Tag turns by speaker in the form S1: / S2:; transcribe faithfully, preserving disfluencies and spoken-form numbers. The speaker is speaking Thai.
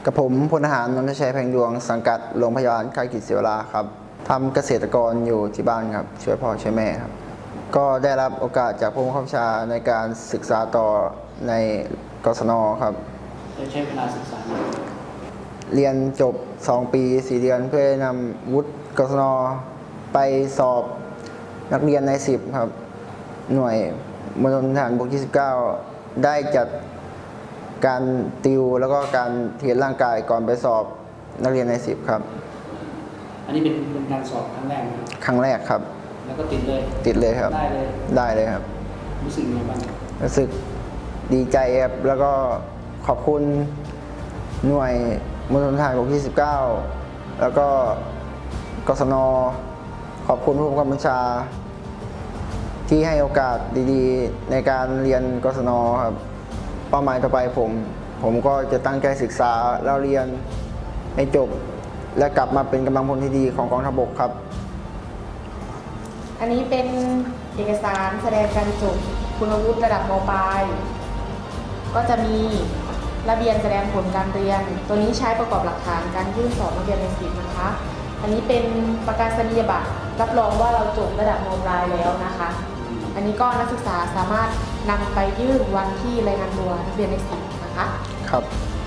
S1: กับผมพลทหารนนทชัยแพงดวงสังกัดโรงพยาบาลค่ายกิจเสวราครับทำเกษตรกรอยู่ที่บ้านครับช่วยพ่อช่วยแม่ครับก็ได้รับโอกาสจากผู้บังคับบัญชาในการศึกษาต่อในกศนครับ
S2: จะใช้เวลาศึกษา
S1: เรียนจบสองปีสี่เดือนเพื่อนำวุฒิกศนไปสอบนักเรียนในสิบครับหน่วยมณฑลทหารบกที่สิบเก้าได้จัดการติวแล้วก็การเทรนร่างกายก่อนไปสอบนักเรียนในสิบครับ
S2: อันนี้เป็นเป็นการสอบครั้งแรกนะ
S1: ครั้งแรกครับ
S2: แล้วก็ติดเลย
S1: ติดเลยครับ
S2: ได้เลย
S1: ได้เลยครับ
S2: รู้สึกยังไงบ้าง
S1: รู้สึกดีใจครับแล้วก็ขอบคุณหน่วยมณฑลทหารบกที่สิบเก้าแล้วก็กศนขอบคุณผู้บังคับบัญชาที่ให้โอกาสดีๆในการเรียนกศนครับเป้าหมายต่อไปผมผมก็จะตั้งใจศึกษาแล้วเรียนให้จบและกลับมาเป็นกำลังพลที่ดีของกองทัพบกครับ
S3: อันนี้เป็นเอกสารแสดงการจบคุณวุฒิระดับม.ปลายก็จะมีระเบียบแสดงผลการเรียนตัวนี้ใช้ประกอบหลักฐานการยื่นสอบนักเรียนในสิบนะคะอันนี้เป็นประกาศนียบัตรรับรองว่าเราจบระดับม.ปลายแล้วนะคะอันนี้ก็นักศึกษาสามารถนำไปยื่นวันที่รายงานตัวนักเรียนในสิบนะคะ
S1: ครับ